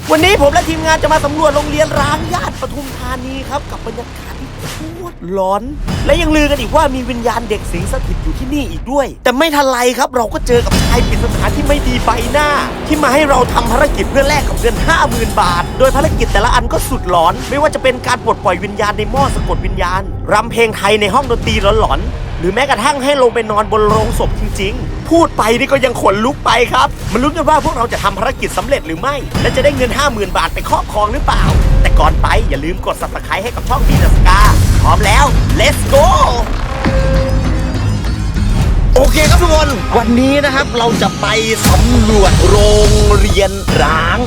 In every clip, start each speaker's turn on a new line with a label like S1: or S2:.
S1: วันนี้ผมและทีมงานจะมาสำรวจโรงเรียนร้างย่านปทุมธานีครับกับบรรยากาศที่โคตรร้อนและยังลือกันอีกว่ามีวิญญาณเด็กสิงสถิตอยู่ที่นี่อีกด้วยแต่ไม่ทันไรครับเราก็เจอกับชายปริศนาที่ไม่ดีใบหน้าที่มาให้เราทำภารกิจเพื่อแลกกับเงิน 50,000 บาทโดยภารกิจแต่ละอันก็สุดหลอนไม่ว่าจะเป็นการปลดปล่อยวิญญาณในหม้อสะกดวิญญาณรำเพลงไทยในห้องดนตรีหลอนๆหรือแม้กระทั่งให้ลงไปนอนบนโลงศพจริงๆพูดไปนี่ก็ยังขนลุกไปครับมาลุ้นกันว่าพวกเราจะทำภารกิจสำเร็จหรือไม่และจะได้เงิน 50,000 บาทไปครอบครองหรือเปล่าแต่ก่อนไปอย่าลืมกด Subscribe ให้กับช่องบีดัสกาพร้อมแล้ว let's go โอเคครับทุกคนวันนี้นะครับเราจะไปสำรวจโรงเรียนร้าง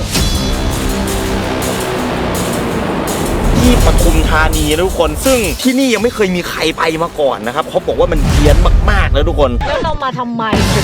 S1: ที่ปทุมธานีนะทุกคนซึ่งที่นี่ยังไม่เคยมีใครไปมาก่อนนะครับเขาบอกว่ามันเฮี้ยนมากๆแล้วทุกคน
S2: แล้วเรามาทำไม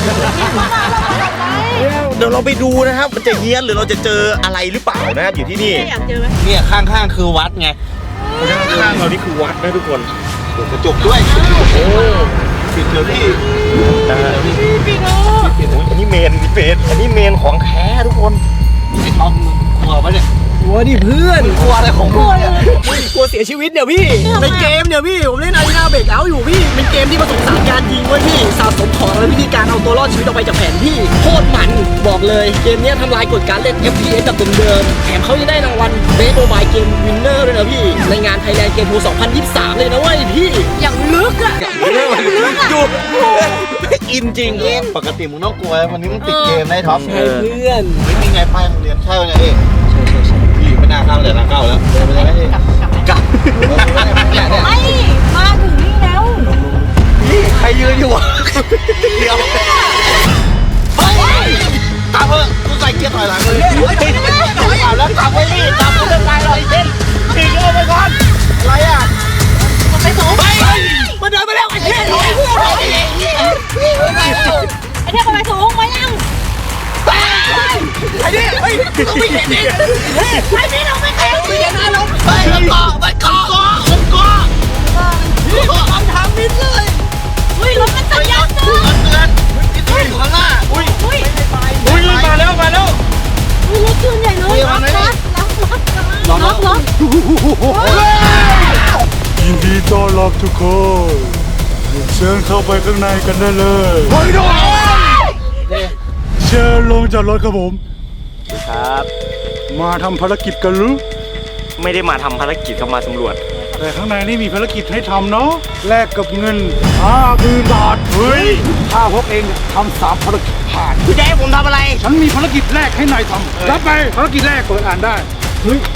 S1: เดี๋ยวเราไปดูนะครับมันจะเฮี้ยนหรือเราจะเจออะไรหรือเปล่านะครับอยู่ที่นี่
S2: อยากเจอไหม
S3: เนี่ยข้างๆคือวัดไง
S1: ข้างๆเรานี่คือวัดนะทุกคน
S3: เปิดกระจกด้วยโอ้ปิดเถอะพี่
S2: ปิดเนาะ
S1: อันนี้เมนอันนี้เมนของแท้ทุกคน
S3: ไอ้ทอมกลัวปะเนี่ย
S4: กลัวดิเพื่อน
S3: กลัวอะไรของมึงเนี่ย
S4: กลัวเสียชีวิตเนี่ยพี่ในเกมเนี่ยพี่ผมเล่นอารีนาเบรกเอาท์อยู่พี่เป็นเกมที่ผสมผสานการยิงไว้พี่สะสมของและวิธีการเอาตัวรอดชีวิตออกไปจากแผนที่โคตรมันบอกเลยเกมนี้ทำลายกฎการเล่น FPS แบบเดิมๆแถมเขายังได้รางวัล Best Mobile Game Winner ด้วยนะพี่ในงาน Thailand Game Pro 2023 เลยนะเว้ยพี่
S2: อย่างลึกอะ
S1: ดูอินจริง
S3: ปกติมึงต้องกลัววันนี้มึงติดเกมได้ท็อป
S4: ใช่เพื่อน
S3: ไม่มีไงป้ายโรงเรียนใช่ไงเอ๊ะพี่ไม่น่าเข้าเลยนะเข้าแล้วเดินไปเลย
S2: กลับไม่มาถึงนี่แล้ว
S1: นี่ใครยืนอยู่วะเดี๋ยว
S3: ตามเถอะกูใส่เกียร์ถอยหลังเลย
S1: แล้วขับไว้นี่ขับกูจะตายหน่อยเช่นทิ้งเอาไปก่อนอะไรอ่ะ
S2: ไปสูง
S1: มาเดินไปแล้วไอ้เช่น
S2: ไอ้เทพไปสูงมายัง
S1: ไอ้นี่เฮ้ยต้องไม่เห็นดิ
S2: ไอ้นี่เราไม่เห็นดินะลง
S1: ไปมันเกาะมันทำมิดเลย
S2: อุ้ยรถมันตัดยันนะ
S3: เตือนที่ตัวอยู่ข้างหน้า
S1: อุ้ยมาแล้ว
S2: อุ้ยรถเครื่องใหญ่เลยล็อก
S5: ยินดีต้อนรับทุกคนเชิญเข้าไปข้างในกันได้เลยเชิญลงจากรถครับผม
S1: ครับ
S5: มาทำภารกิจกันหรือ
S1: ไม่ได้มาทำภารกิจก็มาสำรวจ
S5: แต่ข้างในนี่มีภารกิจให้ทำเนาะแลกกับเงิน 50,000 บาทเฮ้ยถ้าพวกเองทำ3 ภารกิจผ่าน
S1: คุณจะให้ผมทำอะไร
S5: ฉันมีภารกิจแรกให้นายทำรับไปภารกิจแรกเปิดอ่านได้เฮ้ย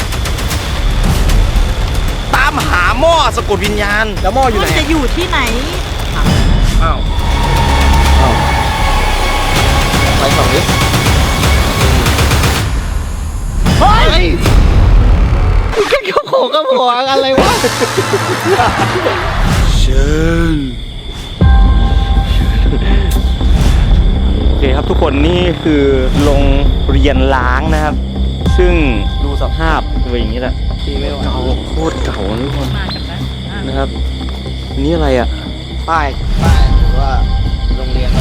S1: ตามหาหม้อสะกดวิญญาณ
S4: แล้วหม้ออยู่ไหน
S2: จะอยู่ที่ไหน
S1: อ้าว
S3: ไปฝั่งนี้
S1: เฮ้ย
S3: ก็โผล่ก็โผล่อะไรวะ
S5: เชิญ
S1: โอเคครับทุกคนนี่คือโรงเรียนล้างนะครับซึ่งดูสภาพเป็นอย่างนี้แหละที่ไม่เก่าโคตรเก่าทุกคนนะครับนี่อะไรอ่ะ
S3: ป้ายว่าโรงเรียน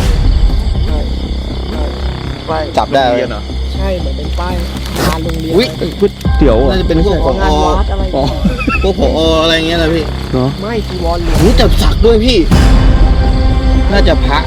S3: จับได้
S1: โรงเรียนเหรอ
S4: ใช่เหมือนเป็นป้ายงานโรงเรียน
S3: อุ้ย
S1: เดี๋ยว
S3: น่าจะเป็นพวกผอพวกผออะไรเงี้ยนะพี่
S4: ไม่จีวรหรือ
S3: หูจับสักด้วยพี่น่าจะพระ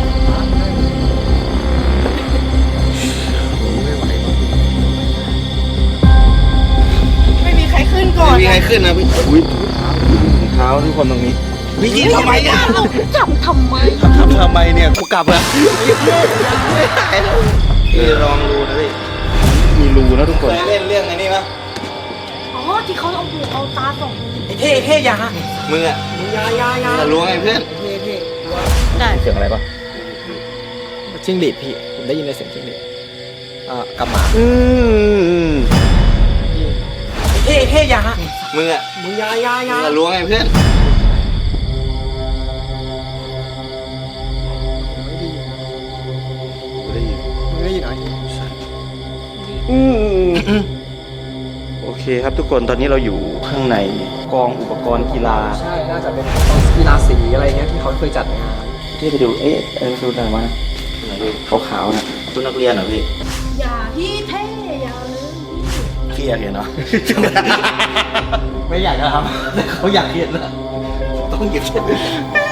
S2: ไม่มีใครขึ้นก่อน
S3: ไม่มีใครขึ้นนะพี่
S1: อุ้ยเท้าทุกคนตรงนี้
S3: พี่ยิงทำไมเนี่ย
S2: เราจับทำไม
S3: เนี่ยกูกลับแล้วไม่หายแล้วพี่ลองดูนะพี่
S1: มีรูนะทุกคน
S3: เคยเล่นเรื่องไอ้นี่ปะ
S2: อ๋อที่เขาเอาหูเอาตาส่อง
S4: ไอ้เท่ยา
S3: มึงอะ
S4: ยา
S3: จะรู้ไงเพื่อน
S2: ได้
S1: เสียงอะไรปะ
S4: จิ้งหรีดพี่ผมได้ยินในเสียงจิ้งหรีดกำหมาเท่ยา
S3: มึงอะ
S4: ยา
S3: จะรู้ไงเพื่อน
S4: ได้ยินเหรอ
S1: โอเคครับทุกคนตอนนี้เราอยู่ข้างในกองอุปกรณ์กีฬา
S4: ใช่น่าจะเป็นกองกีฬาสีอะไรเงี้ยที่เขาเคยจัดงาน
S1: ที่ไปดูดูอะไรวะขาวๆนะชุดนักเรียนเหรอพี่
S2: อย่าพี่เท่อย่าเลย
S3: กี้อยากเห็นเนาะ
S4: ไม่อยากจะทำแต่เขาอยากเห็นนะ
S3: ต้องหยิบเช็ดด้วย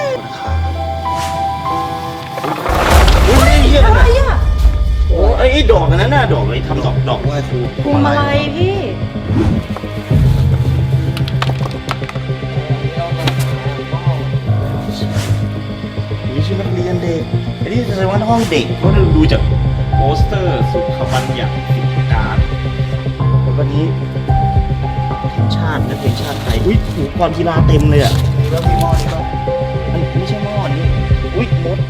S2: อะไรอ่ะ
S3: โอ้ไอ้ดอกนั้นน่ะดอกเลยทำดอกไหว้ครู
S2: พวงมาลัยพี่
S3: นี่ชื่อนักเรียนเด็กไอ้นี่แสดงว่าห้องเด็กเพราะดูจากโปสเตอร์สุขบัญญัติกิจการวันนี้ทีมชาตินักเรียนชาติไทยอุ้ยอุปกรณ์กีฬาเต็มเลยอ่ะแล้วมีหม้อนี่ป่ะอันไม่ใช่หม้อนี่อุ้ยมด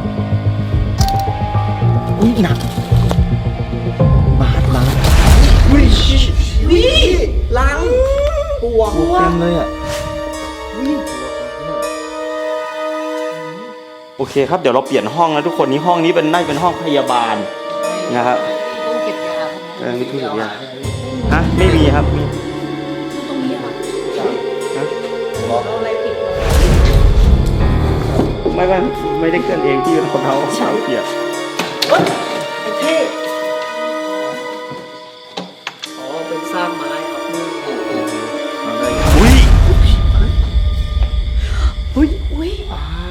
S3: อุ้ยหนักบาสอุ้ย
S4: วิลังปวก
S3: เต็มเลยอ่ะโอเคครับเดี๋ยวเราเปลี่ยนห้องนะทุกคนนี้ห้องนี้น่าจะเป็นห้องพยาบาลนะครับ
S2: ต้องเก็บยา
S3: ไม่ถูกอย่างฮะไม่มีครับมี
S2: ตรงนี้เหรอ
S3: ฮะ
S2: เอาอะไรปิด
S3: ไม่ได้เคลื่อนเองที่เราเท้าเปียก
S4: เฮ้ยไอ้เท่อ๋อเป็นสร้างไม้ครับ
S3: อุ้ย
S2: อุ้ยอุ้ย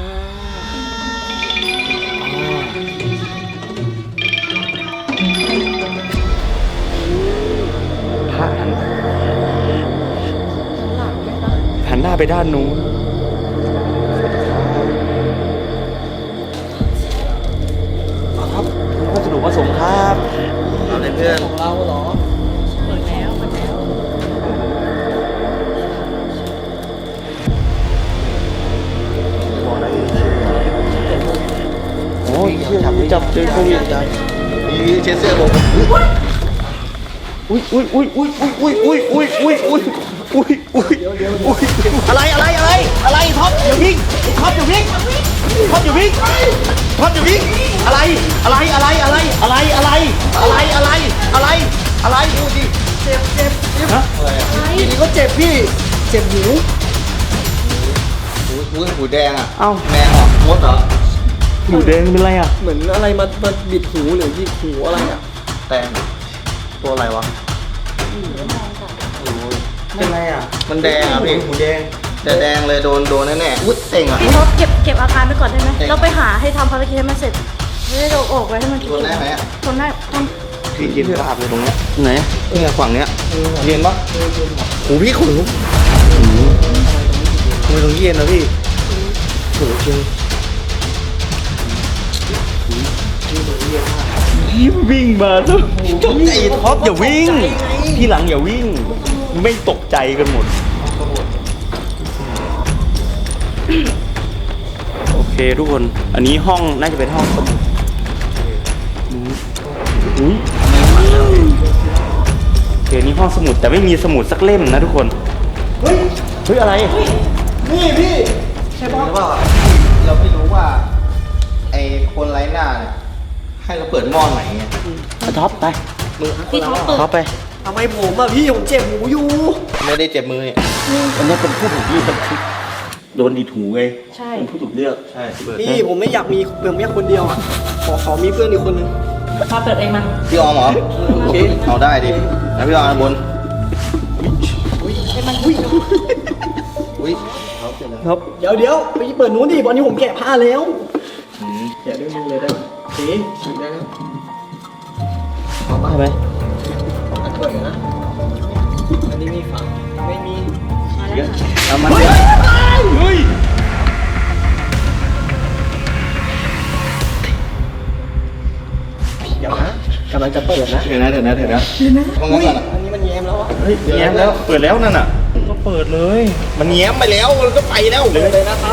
S3: พระหันหน้าไปด้านนู้นครับวัสดุประสงค์ครับอะไรเพื่อน
S4: ของเราเหรอ
S2: เปิดแล้วเปิดแล้ว
S3: โอ้ยจับเจอโควิด
S5: มีเช็ดเสื้อผม
S3: อุ้ยอะไรท็อปอย่าวิ่งท็อปอย่าวิ่งท็อปอย่าวิ่งท็อปอย่าวิ่งอะไรดูดิ
S4: เจ็บ
S3: ฮะ
S4: ทีนี้ก็เจ็บพี่ เจ็บหู
S5: หูแดงอ่ะ
S3: เอ้า
S5: แมงเหรอมดเหรอ
S3: หนูแดงเป็นไรอ่ะ
S4: เหมือนอะไรมาบิดหูหรือยิกหูอะไรอ่ะ
S5: แตงตัวอะไรวะ
S3: เป็นไรอ่ะ
S5: มันแดงอ่ะพี่
S3: หูแดง
S5: แต่แดงเลยโดนแน่ๆอุ้ยเต็งอ่ะ
S2: พี่ท็อปเก็บอาการไปก่อนได้ไหมเราไปหาให้ทำภารกิจให้มันเสร็จไม่ได้เราออกไว้ให้มัน
S5: ทนได้ไหมอ่ะ
S2: ทนได้ทน
S5: พี่กินภาพเลยตรงเนี้ย
S3: ไหน
S5: เนี่ยฝั่งเนี้ยเย็นปะโอ้พี่ขนลุกทำไมตรงนี้เย็นนะพี่โหจริง
S3: วิ่งมาทุกไอ้ท็อปอย่าวิ่งที่หลังอย่าวิ่งไม่ตกใจกันหมดโอเคทุกคนอันนี้ห้องน่าจะเป็นห้องสมุดอุ้ยโอเคนี่ห้องสมุดแต่ไม่มีสมุดสักเล่มนะทุกคนเฮ้ยอะไร
S4: นี่พี่
S5: ใช่ปะเราไม่รู้ว่าไอ้คนไร้หน้าเนี่ยให้เราเปิดหม้อไหนไง
S3: ท็อปไป
S2: พี่ท็อปเปิด
S3: ท็อปไป
S4: ทำไมผมอ่ะพี่ผมเจ็บหูอยู่
S5: ไม่ได้เจ็บมือเนี่ย
S3: อันนี้เป็นผู้ถูกเลือกโดนดีถูไง
S2: ใช่
S3: เป็นผู้ถูกเลือกใช่เปิด
S4: พี่ผมไม่อยากมีคนเดียวอ่ะ ขอมีเพื่อนอีกคนนึง
S2: พาเปิดเองมัน
S5: พี่ออมเหรอ
S4: โอเค
S5: เอาได้ดิแล้วพี่ออมบน
S2: ให้มันอุ้ย
S5: อุ้ย
S3: ครับ
S4: เดี๋ยวไปเปิดนู้นดิตอนนี้ผมแกะผ้าแล้วแกะด้วยมือเลยได้ไหมสีได้แล้วเอาปะ
S3: ใช่ไหม
S4: เปิดนะอันนี้มีฝาไม่มี
S2: มาแล้วค่ะ
S3: เอามาเฮ้ย
S4: เดี๋ยวนะกำลังจะเปิดนะ
S5: เดี๋ยวนะห้องนั้นก่อนอ่ะ
S4: อันนี้มันแย้มแล้วอ่ะ
S3: เฮ้ยแง้มแล้วเปิดแล้วนั่นน่ะก็เปิดเลย
S5: มันแง้มไปแล้วมันก็ไปแล้ว
S4: เลยนะครับ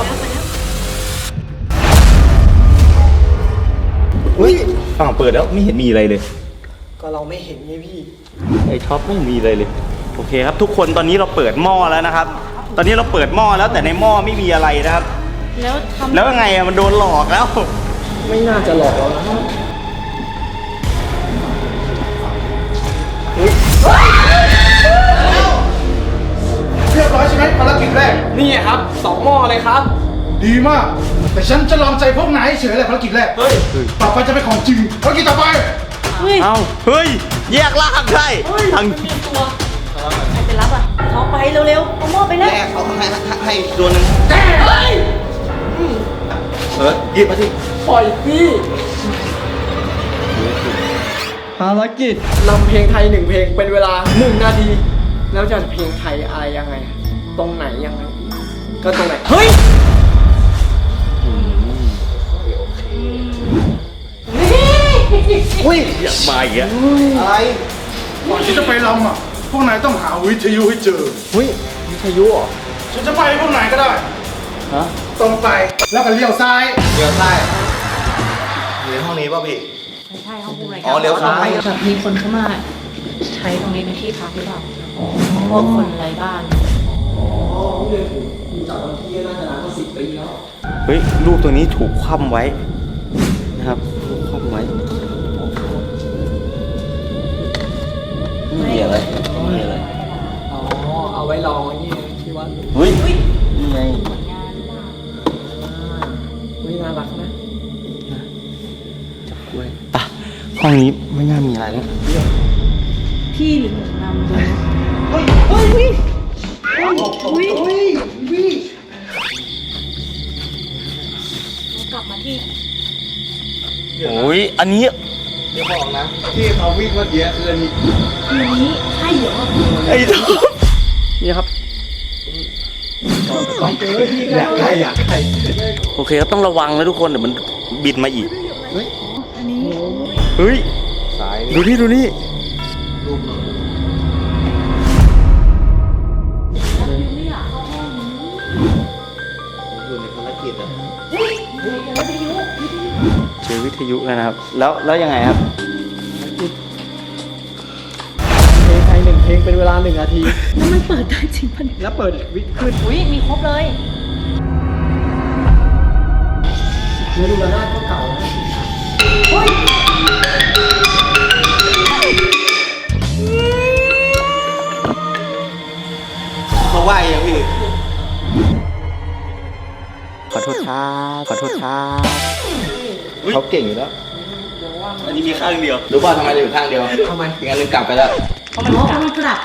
S3: เฮ้ยฝั่งเปิดแล้วไม่เห็นมีอะไรเลย
S4: ก็เราไม่เห็นไงพี่
S3: ไอ้ท็อปไม่มีอะไรเลยโอเคครับทุกคนตอนนี้เราเปิดหม้อแล้วนะครับ ตอนนี้เราเปิดหม้อแล้วแต่ในหม้อไม่มีอะไรนะครับ
S2: แล้วทำ
S3: แล้วยังไงอะมันโดนหลอกแล้ว
S4: ไม่น่าจะหลอกเรานะ
S5: เรียบร้อยใช่ไหมภารกิจแรก
S4: นี่ครับ2หม้อเลยครับ
S5: ดีมาก แต่ฉันจะลองใจพวกนายเฉยแหละภารกิจแรก
S4: เฮ้ย
S5: ต่อไปจะเป็นของจริงภารกิจต่อไป
S3: เอ้าเฮ้ยแยกล่างได้ทาง
S2: ใครไปรับอ่ะเขาไปเร็วๆเอาหม้อไปนะ
S3: แยกเขาให้ตัวนึงหยิบมาสิ
S4: ปล่อยพี่ภารกิจนำเพลงไทย1เพลงเป็นเวลา1นาที แล้วจะเพลงไทยอะไรยังไง ตรงไหนยังไง ก็ตรงไหน เฮ้ย
S3: อุ้ยอยากมาอีกอะอะไร
S5: ก่อนที่จะไปลำอ่ะ พวกนายต้องหาวิทยุให้เจอ
S4: เฮ้ยวิทยุเหรอ
S5: ฉันจะไปพวกนายก็ได้
S3: ฮะ
S5: ตรงไปแล้วก็เลี้ยวซ้าย
S3: เลี้ยวซ้ายอยู่ในห้องนี้ป่ะพี่
S2: ไม่ใช่ห้องผู้บริ
S3: อ๋อเลี้ยวซ้าย
S2: แบบมีคนเข้ามาใช้ตรงนี้เป็นที่พักหรือเปล่าพวกคนไร้บ้าน
S3: เฮ้ยรูปตัวนี้ถูกคว่ำไว้นะครับถูกคว่ำไว้ไม่มีอะไรไม่มีอะไร
S4: อ๋อ เอาไว้รองไว้นี่ที่วัด
S3: เฮ้ยนี่ไง
S4: วิน่ารักนะ
S3: กล้วยอ่ะห้องนี้ไม่น่ามีอะไรแล้ว
S2: พี่หรือหนูนำดูกลับมาที่
S3: โอ้ยอันนี้
S5: ที่เขาวิ่งเมื่อกี้คืออันนี้
S2: คืนนี้ใช่เหรอ
S3: ไอ้ท็อป
S4: นี่ครับ
S5: อยากใคร
S3: โอเคก็ต้องระวังนะทุกคนเดี๋ยวมันบินมาอีก
S2: อันนี้
S3: เฮ้ยดูนี่ดูนี่
S2: ไม่อยากเข้าห้องนี้
S3: อยู่ในภารกิจอะเจอวิทยุแล้วนะครับ แล้วยังไงครับ
S4: เพลงไทย1เพลงเป็นเวลา1นาที
S2: แล้วมันเปิดได้จริงปะเนี่ย
S4: แล้วเปิดวิทขึ้น
S2: อุ้ยมีครบเลย
S4: เนื้อดูระนาดก็เก่านะ
S3: เขาไหวยังพี่ ขอโทษครับขอโทษครับเขาเก่งอยู่แล้ว อันนี้มีข้างเดียวรู้ป่ะทำไมเราอยู่ข้างเดียว
S4: ทำไม
S3: อีกอันหนึงกลับไปแล้ว
S2: เพราะมันกลับ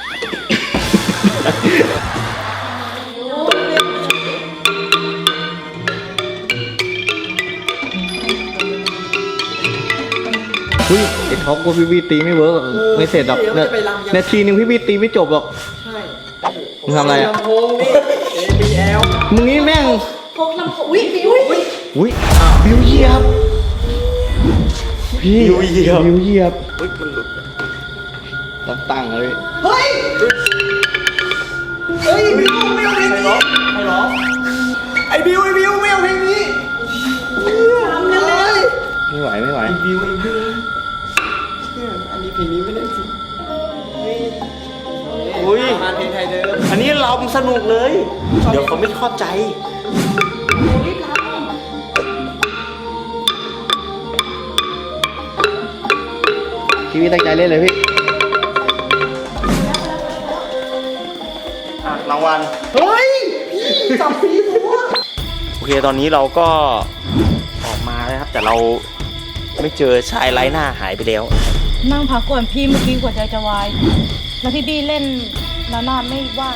S6: เฮ้ยไอ้ท็อปว่าพี่บีตีไม่เวิร์กไม่เสร็จหรอกนาทีหนึ่งพี่บีตีไม่จบหรอก
S4: ใช่
S6: มึงทำอะไรอ่ะ
S4: ลำโพงนี่ ABL
S6: มึงนี่แม่ง
S2: พกลำโพงอุ้ยอุ้ย
S6: อุ้ยบิวเหยียบพี่
S3: บิวเหยียบ
S6: บิวเหยียบ
S3: เฮ้ยมันหลุด
S6: ต้องตั้งเลย
S4: เฮ้ย เฮ้ยบิวไม่เอาเพลงนี้ไอ้บิวไม่เอาเพลงนี้ทำยังไง
S6: ไม่ไหวไม่ไหว
S4: บิวเนี่ยอันนี้เพลงนี้ไม่ได้จริง
S3: อุ้ย
S4: งานเพลงไทยเดิม
S3: อันนี้เราสนุกเลย เดี๋ยวเขาไม่เข้าใจ
S6: พี่บีตั้งใจเล่นเลยพี่
S3: รางวัล
S4: เฮ้ย พี่จับปีตัว
S3: โอเคตอนนี้เราก็ออกมาแล้วครับ แต่เราไม่เจอชายไร้หน้าหายไปแล้ว
S2: นั่งพักก่อนพี่เมื่อกี้หัวใจจะวาย แล้วพี่บี้เล่นระนาดไม่ว่าง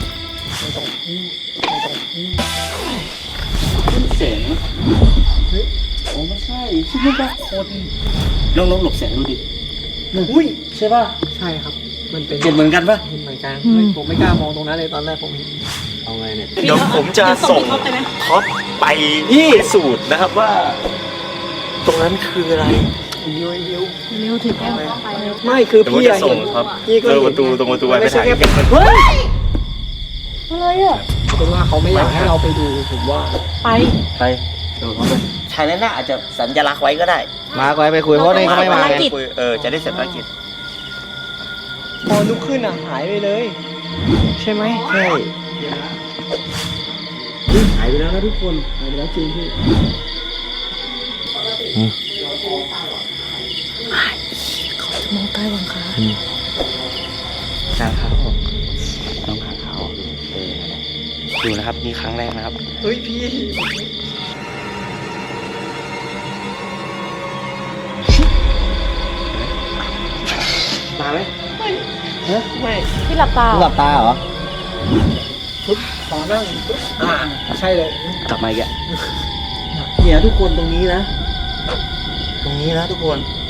S3: ลองหลบแสงดูดิ
S4: อุ้ยใช่ป่ะ ใช่ครับ มันเป็น
S3: เห็นเหมือนกันปะ
S4: เหมือนกันผมไม่กล้ามองตรงนั้นเลยตอนแรกผมเห็น
S6: เอาไงเนี่ย
S3: เดี๋ยวผมจะส่งท็อปไปที่สูตรนะครับว่า ตรงนั้นคืออะไร
S4: บิว
S2: เร็วถึงแก้มเข้าไปเร็ว
S4: ไม่คือ
S3: เดี๋ยวผม
S4: พี่
S3: จะ
S4: อะ
S3: ส่
S4: เห็
S3: ง
S4: น
S3: ครับ
S4: พี่ก็
S3: เจ
S4: เห็
S3: อน ประตูไปถ่าย
S4: ไม่ใช่แค่
S3: กัน
S4: เฮ้ย
S2: อะไรอ่ะ
S4: เป็นว่าเขาไม่อยากให้เราไปดูผมว่า
S2: ไป
S3: ไปดูเขาไปชายไร้หน้าอาจจะสัญลักษณ์ไว้ก็ได้
S6: มาก่อนไปคุยเพราะนี่เขาไม่มา
S2: ภาร
S6: ไง
S2: กิจ
S3: จะได้เสร็จภารกิจ
S4: พอลุกขึ้นอ่ะหายไปเลย ใช่ไหม
S3: ใช่
S4: หายไปแล้วนะทุกคนหายไปแล้วจริงพี่
S2: มองใกล้วังคา
S3: ทางเขาต้องทางเขาดูนะครับนี่ครั้งแรกนะครับ
S4: เฮ้ยพี่
S6: ไหม
S4: ไม่
S2: พี่หลับตา
S6: หลับตาเหรอ
S4: ขอนั่งใช่เลย
S6: กลับมาอีกอะ
S3: เนี่ยทุกคนตรงนี้นะ ตรงนี้นะทุกคน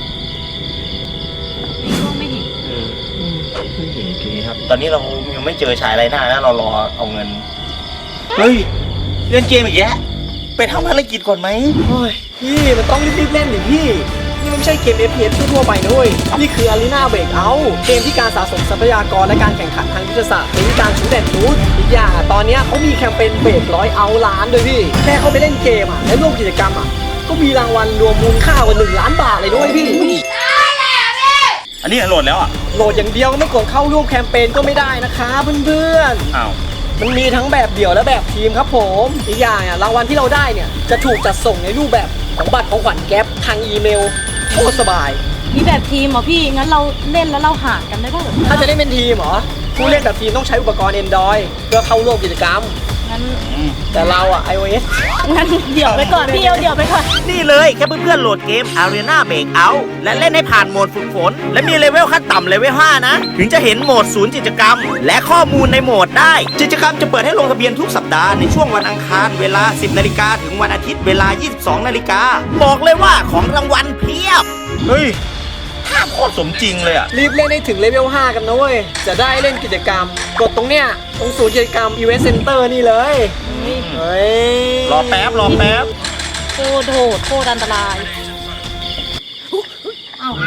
S2: นี่ก็ไม่เห็น
S6: ไม่เห็นโอเคครับ
S3: ตอนนี้เรายังไม่เจอชายไรหน้านะเรารอเอาเงิน เฮ้ยเล่นเกมอีกแยะไปทำภารกิจก่อนไหม
S4: โอ้ยพี่มันต้องรีบๆเล่นดิพี่ นี่มันไม่ใช่เกม FPS ทั่วๆไปนะเว้ยนี่คือ Arena Breakout เกมที่การสะสมทรัพยากรและการแข่งขันทางยุทธศาสตร์ในการชูแดนชูดอีกอย่างตอนเนี้ยเขามีแคมเปญเบรก100 เอาล้านด้วยพี่ แค่เขาไปเล่นเกมและร่วมกิจกรรมก็มีรางวัลรวมมูลค่ากว่า1 ล้านบาทเลยด้วยพี่
S3: อันนี้โหลดแล้วอ่ะ
S4: โหลดอย่างเดียวก็ไม่กดเข้าร่วมแคมเปญก็ไม่ได้นะคะเพื่อนๆ
S3: อ้าว
S4: มันมีทั้งแบบเดี่ยวและแบบทีมครับผมอีกอย่างรางวัลที่เราได้เนี่ยจะถูกจัดส่งในรูปแบบของบัตรของขวัญแก๊ปทางอีเมลโคตรสบาย
S2: มีแบบทีมเหรอพี่ งั้นเราเล่นแล้วเราหารกันได้ป่ะ
S4: ถ้าจะเล่นเป็นทีมเหรอผู้เล่นแบบทีมต้องใช้อุปกรณ์ Android เพื่อเข้าร่วมกิจกรรม
S2: งั้น
S4: แต่เราiOS
S2: งั้นเดี๋ยวไปก่อนพี่เดี๋ยวไปก่อน
S1: นี่เลยแค่เพื่อนๆโหลดเกม Arena Breakout และเล่นให้ผ่านโหมดฝึกฝน และมีเลเวลขั้นต่ำเลเวล 5 นะ ถึงจะเห็นโหมดศูนย์กิจกรรม และข้อมูลในโหมดได้ กิจกรรมจะเปิดให้ลงทะเบียนทุกสัปดาห์ในช่วงวันอังคารเวลา 10 นาฬิกาถึงวันอาทิตย์เวลา 22 นาฬิกาบอกเลยว่าของรางวัลเพียบ
S3: เฮ้ยภาพโคตรสมจริงเลยอ่ะ
S4: รีบเล่นให้ถึงเลเวล 5 กันนะเว้ย จะได้เล่นกิจกรรม กดตรงเนี้ยตรงศูนย์กิจกรรม Event Center นี่เลยเฮ้ย
S3: รอแป๊บ รอแป๊บ
S2: โคตรโหดโคตรอันตรายเอ้า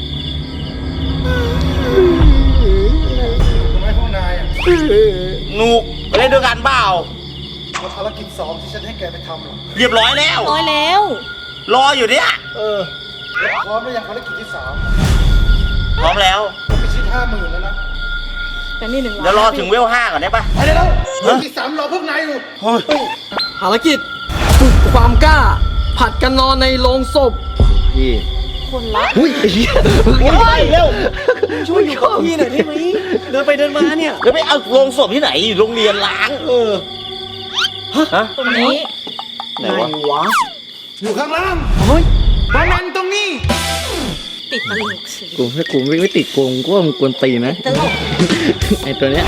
S5: ทำไมพวกนายอ่ะ
S3: หนุกไปเล่นด้วยกันเปล่า
S5: เอาภารกิจ2ที่ฉันให้แกไปทำหรอ
S3: เรียบร้อยแล้ว
S2: ร้อยแล้ว
S3: รออยู่เนี่ย
S5: แล้วพร้อมหรือยังภารกิจที่
S3: พร้อมแล้ว
S5: 3ผมไปชิด50,000แล้วนะ
S2: แต่นี่1 ล้าน
S3: เดี๋ยวรอถึงเวล 5 ก่อนได้ปะ
S5: ไปได้แล้วภารกิจ3รอพวกนายอยู่
S3: เฮ้ย
S4: ภารกิจฝึกความกล้า ผัดกันนอนในโรงศพ
S6: พี่
S2: คนละ
S6: อุ้ยไอ้เหี้ย
S3: เร็ว
S4: ช่วยอยู่กับพี่หน่อยได้ไหมเดินไปเดินมาเนี่ย
S3: แล้วไปเอาโรงศพที่ไหนอยู่โรงเรียนล้าง ฮะ
S2: ตรงนี้
S3: ไหนวะ
S4: วะ
S5: อยู่ข้างล่าง
S4: เฮ้ย
S5: บอลแมนตรงนี้
S2: ติดตลกสิ
S6: กูถ้ากูไม่ติดโกงกูว่ามึงกวนตีนนะ
S2: ตลก
S6: ไอ้ตัวเนี้ย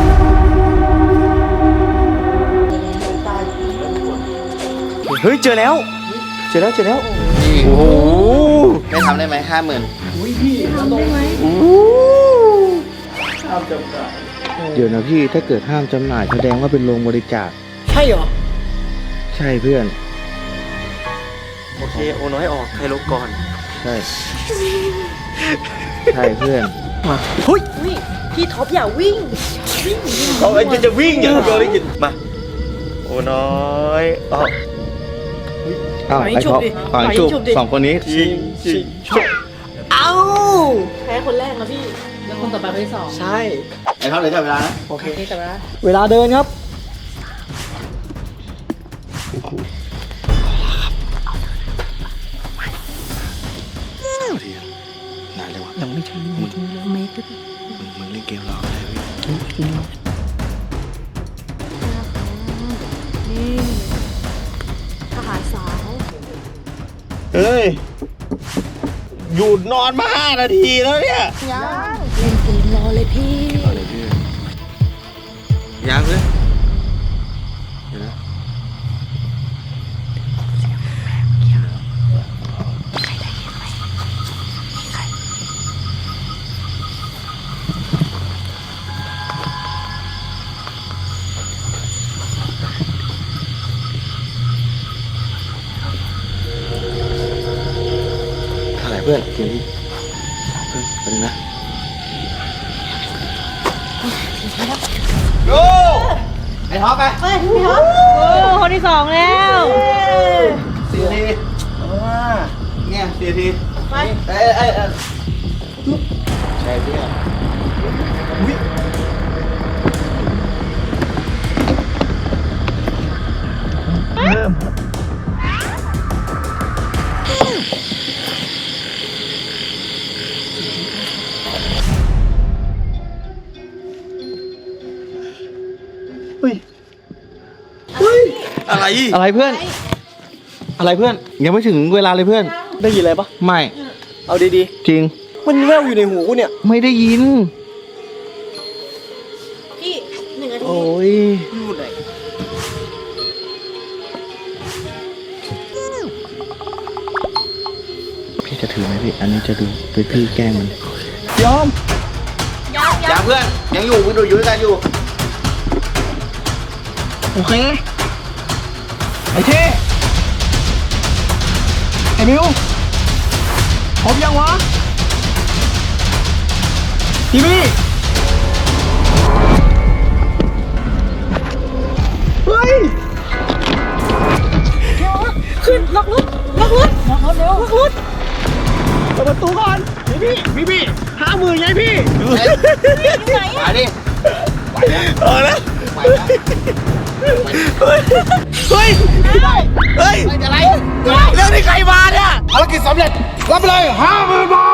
S1: เฮ้ยเจอแล้ว เจอแล้วเจอแล้ว
S6: นี่
S1: โอ้โห
S6: ไม่ทำได้ไหม50,000 เดี๋ยวนะพี่ถ้าเกิดห้ามจำหน่ายแสดงว่าเป็นโรงบริจาค
S4: ใช่เหรอ
S6: ใช่เพื่อน
S1: โอเคโอน้อยออกใครลบก่อน
S6: ใช่ ใช่เพื่อน
S4: เฮ้ย
S2: พี่ท็อปอย่าวิ่ง
S3: เขาจะวิ่งอย่างเดียวเลยกินมา โอ้น้อยอ๋อ
S6: อ้าว
S2: ปล่อย
S6: ไอ้
S2: ฉุบ
S6: ท็อป
S2: ดิ
S6: ปล่อย
S2: ปล่อย
S6: จุบ
S2: ฉุบดิ
S6: สองคนนี้
S3: ชิงชิงชุบ
S4: เอ้า
S2: แพ้คนแรกนะพี่ แล้วคนต่อไปคนที่ 2
S4: ใช่
S6: ไอ้ท็อปเดี๋ยวจับเวลานะ
S4: โอเค
S2: นี่แต่ว่า
S4: เวลาเดินครับ
S6: นานเลยวะยังไม่ถึงมึงเล่นเกมรอได้พี่
S2: นี่ทหารสาว
S3: เฮ้ย หยุดนอนมา 5 นาทีแล้วเนี่ย
S2: ยังเล่นเกมรอเลยพี่
S6: ยังเลยเดี๋ยวนะ เท่าไหร่เพื่อนเกมนี้เพื่อนเป็นนะ
S3: โอ้
S6: ไอ้ท็อปไป
S2: เฮ้ยพี่ท็อปโอ้คนที่ 2 แล้ว
S6: 4 นาทีเนี่ย4 นาที
S2: ไป
S6: ใช่เพื่อน
S3: อะไร
S6: อะไรเพื่อน อะไรเพื่อน ยังไม่ถึงเวลาเลยเพื่อน
S4: ได้ยินอะไรปะ
S6: ไม่
S4: เอาดี
S6: จริง
S4: ๆมันแว่วอยู่ในหูกูเนี่ย
S6: ไม่ได้ยิน
S2: พี่1 นาที
S6: โอ้ย
S4: พูดไหน
S6: พี่จะถือไหมพี่ อันนี้จะดูไปพี่แกล้งมัน
S4: ยอม
S3: อย่าเพื่อน ยังอยู่มึงดูอยู่ด้วยกันอยู่
S4: โอเค ไอ้เท่ไอ้มิวพร้อมยังวะพี่มี่เฮ้ย
S2: ขึ้นล็อกรถเร็วล็อกรถ
S4: เปิดประตูก่อนพี่50,000ไงพี่
S2: อยู่ไหน
S3: มา
S2: อะ
S3: ดิ
S1: เอาละ
S3: ไหวแล้ว
S1: เฮ้ย เฮ้ย เฮ้ย
S3: อะไร
S1: เรื่องนี้ใครมาเนี่ย
S5: ภารกิจสำเร็จ รับไปเลย50,000 บา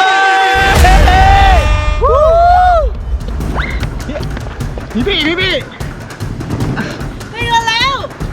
S5: ท
S4: พี่
S2: ไม่เงินแล้ว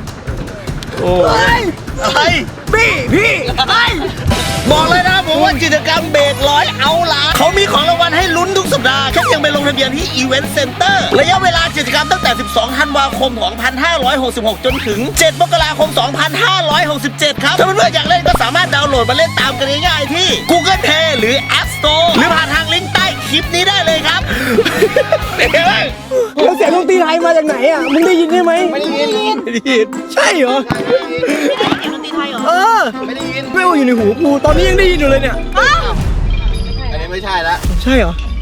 S1: อะไร
S4: พี่
S1: บอกเลยนะผมว่ากิจกรรมเบรกร้อยเอาล่ะเขามีของรางวัลให้ลุ้นทุกสัปดาห์แค่เพียงไปลงทะเบียนที่ Event Center ระยะเวลากิจกรรมตั้งแต่ 12 ธันวาคม 2566 จนถึง 7 มกราคม 2567 ครับถ้าเพื่อนๆอยากเล่นก็สามารถดาวน์โหลดมาเล่นตามกันง่ายๆที่ Google Play หรือ App Store หรือผ่านทางลิงก์ใต้คลิปนี้ได้เลยครับ เป็นไงบ้าง
S4: แล้วเสียงดนตรีไทยมาจากไหนอ่ะ มึงได้ยินใช่ไหม
S3: ไม่ได้ยิน
S4: ใช่เหรอ
S2: เสียงดนตรีไทยเหรอ
S4: เออ
S3: ไม่ได้ยิน
S4: แว่วอยู่ในหูกู ตอนนี้ยังได้ยินอยู่เลยเนี่ย
S3: อันนี้ไม่ใช่ละ
S4: ใช่เหรอ
S3: ไ